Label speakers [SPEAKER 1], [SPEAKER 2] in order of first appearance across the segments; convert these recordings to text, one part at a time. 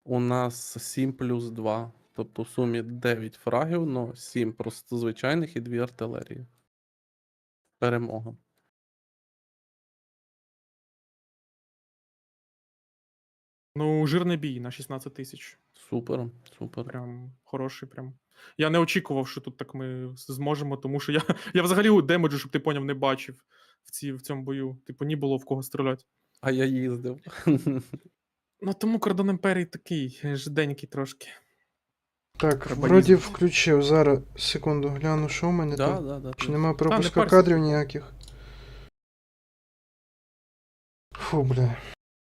[SPEAKER 1] У нас 7 плюс 2. Тобто в сумі 9 фрагів, но 7 просто звичайних і 2 артилерії. Перемога.
[SPEAKER 2] Ну, жирний бій на 16 тисяч.
[SPEAKER 1] Супер, супер.
[SPEAKER 2] Прям хороший, прям. Я не очікував, що тут так ми зможемо, тому що я взагалі демеджу, щоб ти поняв, не бачив в цьому бою. Типу, ні було в кого стріляти.
[SPEAKER 1] А я їздив.
[SPEAKER 2] Ну тому кордон імперії такий, жиденький трошки.
[SPEAKER 3] Так,
[SPEAKER 2] Треба
[SPEAKER 3] вроді
[SPEAKER 2] їздити.
[SPEAKER 3] включив. Зараз, секунду, гляну, що в мене
[SPEAKER 1] Да,
[SPEAKER 3] там.
[SPEAKER 1] да, да.
[SPEAKER 3] Чи
[SPEAKER 1] ти-
[SPEAKER 3] нема пропуска
[SPEAKER 2] парся,
[SPEAKER 3] кадрів
[SPEAKER 2] типу.
[SPEAKER 3] ніяких. Фу, бля.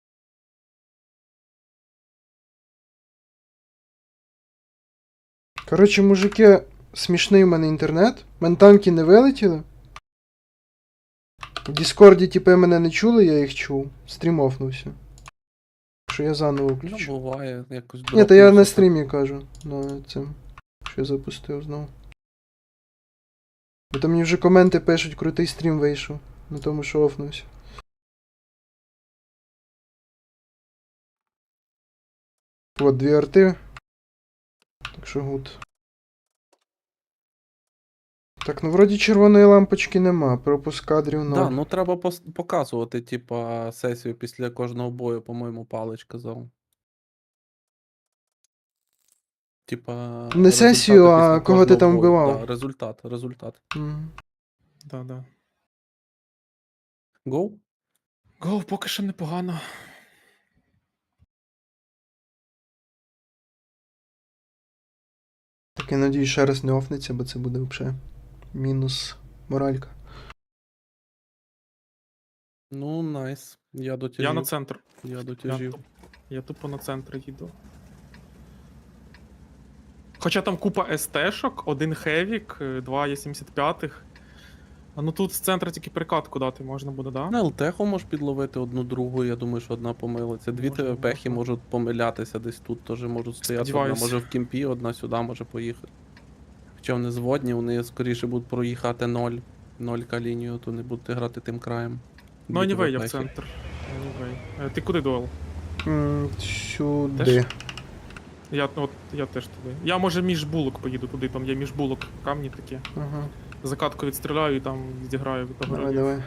[SPEAKER 3] Коротше, мужики, смішний в мене інтернет. В мене танки не вилетіли. В Діскорді типи мене не чули, я їх чув. Стрім офнувся. Що я заново
[SPEAKER 1] Ну,
[SPEAKER 3] включу.
[SPEAKER 1] буває, якось
[SPEAKER 3] Ні, то я на
[SPEAKER 1] дропнувся.
[SPEAKER 3] стрімі кажу. На цим. Що я запустив знову. Бо там мені вже коменти пишуть, крутий стрім вийшов. На тому, що офнувся. От, 2 арти. Так що гуд. Так, ну вроді червоної лампочки нема, пропуск кадрів 0.
[SPEAKER 1] Да, ну треба показувати, типа, сесію після кожного бою, по-моєму, Палич казав. Типа.
[SPEAKER 3] Не сесію,
[SPEAKER 1] результати
[SPEAKER 3] а
[SPEAKER 1] після
[SPEAKER 3] кого ти
[SPEAKER 1] кожного
[SPEAKER 3] там
[SPEAKER 1] бою.
[SPEAKER 3] вбивав.
[SPEAKER 1] Да, результат.
[SPEAKER 3] Мгм.
[SPEAKER 2] Да.
[SPEAKER 1] Гоу?
[SPEAKER 2] Гоу, поки що непогано.
[SPEAKER 3] Так я надію, ще раз не офнеться, бо це буде взагалі мінус моралька.
[SPEAKER 1] Ну, найс. Я дотяжів.
[SPEAKER 2] Я на центр.
[SPEAKER 1] Я дотяжів.
[SPEAKER 2] Я тупо на центр їду. Хоча там купа СТ-шок, один Хевік, 2 Є75. А ну тут з центра тільки прикатку дати можна буде, да?
[SPEAKER 1] На ЛТХу можеш підловити одну другу, я думаю, що одна помилиться. Дві
[SPEAKER 2] Можна,
[SPEAKER 1] ТВПхи
[SPEAKER 2] можна.
[SPEAKER 1] можуть помилятися десь тут, теж можуть стояти. Одна
[SPEAKER 2] Сподіваюсь.
[SPEAKER 1] може в кімпі, одна сюди може поїхати. Хоча вони зводні, вони скоріше будуть проїхати 0 лінію, то не будуть грати тим краєм.
[SPEAKER 2] Ну,
[SPEAKER 1] Дві
[SPEAKER 2] anyway, я в
[SPEAKER 1] ТВПхи.
[SPEAKER 2] центр. Ти куди дуел?
[SPEAKER 3] Сюди.
[SPEAKER 2] Теж? Я теж туди. Я може між булок поїду туди, там є між булок камні такі.
[SPEAKER 3] Ага.
[SPEAKER 2] Закатку відстріляю і там відіграю від того.
[SPEAKER 3] Давай.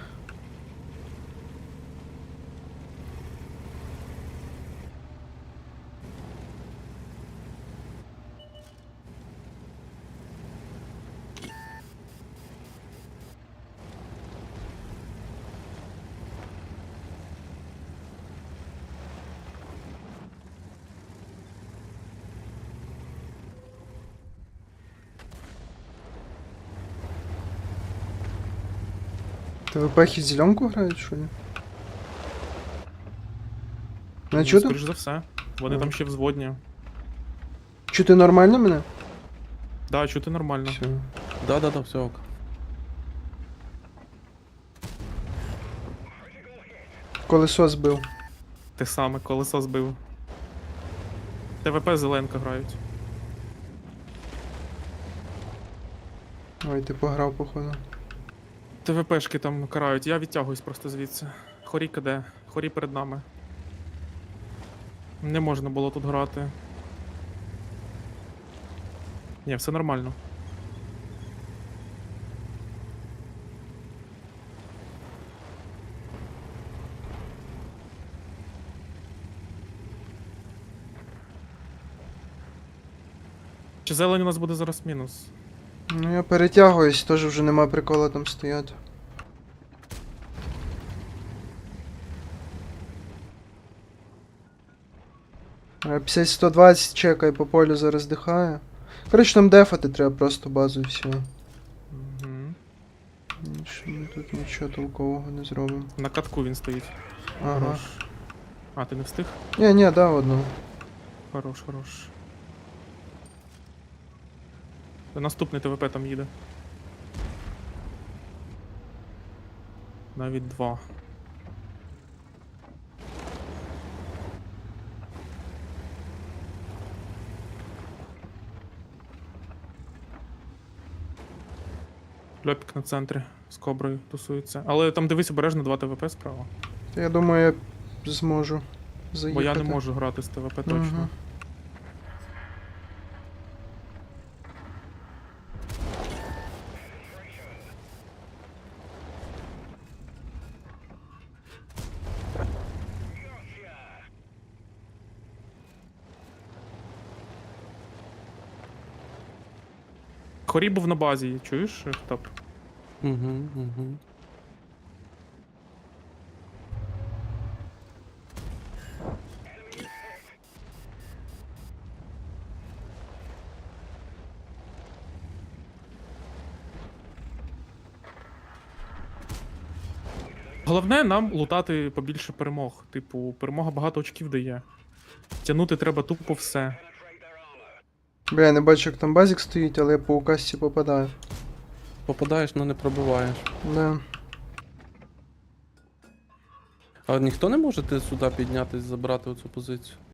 [SPEAKER 3] ТВПхи зеленку грають, що ли? Не
[SPEAKER 2] Ну,
[SPEAKER 3] чути?
[SPEAKER 2] скоріш за все. Вони там ще взводні.
[SPEAKER 3] Чути нормально мене?
[SPEAKER 2] Да, чути нормально.
[SPEAKER 3] Все.
[SPEAKER 1] Да, все ок.
[SPEAKER 3] Колесо збив.
[SPEAKER 2] Те саме, колесо збив. ТВП зеленка грають.
[SPEAKER 3] Ой, ти пограв, походу.
[SPEAKER 2] ТВПшки там карають, я відтягуюсь просто звідси. Хорі КД, хорі перед нами. Не можна було тут грати. Ні, все нормально. Чи зелень у нас буде зараз мінус?
[SPEAKER 3] Ну я перетягуюсь, теж вже нема прикола там стояти. А 50-120 чекай, по полю зараз дихає. Коротше, там дефати треба просто базу і все.
[SPEAKER 2] Угу.
[SPEAKER 3] Більше ми тут нічого толкового не зробимо.
[SPEAKER 2] На катку він стоїть.
[SPEAKER 3] Ага.
[SPEAKER 2] Хорош. А, ти не встиг?
[SPEAKER 3] Ні, да, одну.
[SPEAKER 2] Хорош. Наступний ТВП там їде. Навіть 2. Льопік на центрі з коброю тусується. Але там дивись обережно 2 ТВП справа.
[SPEAKER 3] Я думаю, я зможу заїхати.
[SPEAKER 2] Бо я не можу грати з ТВП точно.
[SPEAKER 3] Мгм.
[SPEAKER 2] Хорі був на базі, чуєш, Хтап?
[SPEAKER 1] Угу, угу.
[SPEAKER 2] Головне нам лутати побільше перемог. Типу, перемога багато очків дає. Тягнути треба тупо все.
[SPEAKER 3] Бля, я не бачу, як там базік стоїть, але я по указці попадаю.
[SPEAKER 1] Попадаєш, але не пробиваєш.
[SPEAKER 3] Да.
[SPEAKER 1] А ніхто не може сюди піднятись, забрати оцю позицію?